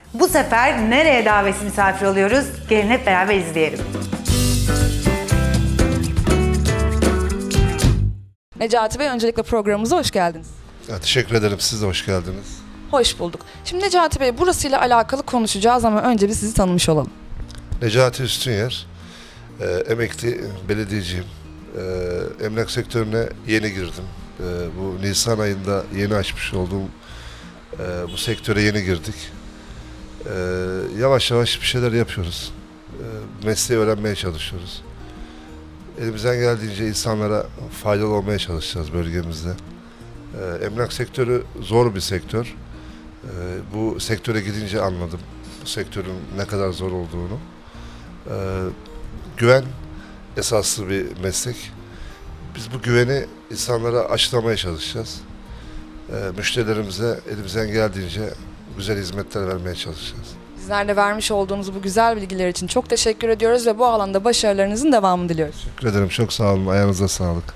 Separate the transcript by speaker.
Speaker 1: Bu sefer nereye davetsiz misafir oluyoruz? Gelin hep beraber izleyelim.
Speaker 2: Necati Bey, öncelikle programımıza hoş geldiniz.
Speaker 3: Ya, teşekkür ederim. Siz de hoş geldiniz.
Speaker 2: Hoş bulduk. Şimdi Necati Bey, burasıyla alakalı konuşacağız ama önce bir sizi tanımış olalım.
Speaker 3: Necati Üstünyer, emekli belediyeciyim. Emlak sektörüne yeni girdim. Bu Nisan ayında yeni açmış olduğum bu sektöre yeni girdik. Yavaş yavaş bir şeyler yapıyoruz. Mesleği öğrenmeye çalışıyoruz. Elimizden geldiğince insanlara faydalı olmaya çalışacağız bölgemizde. Emlak sektörü zor bir sektör. Bu sektöre gidince anladım bu sektörün ne kadar zor olduğunu. Güven esaslı bir meslek. Biz bu güveni insanlara aşılamaya çalışacağız. Müşterilerimize elimizden geldiğince güzel hizmetler vermeye çalışacağız.
Speaker 2: Bizler de vermiş olduğunuz bu güzel bilgiler için çok teşekkür ediyoruz ve bu alanda başarılarınızın devamını diliyoruz.
Speaker 3: Teşekkür ederim. Çok sağ olun. Ayağınıza sağlık.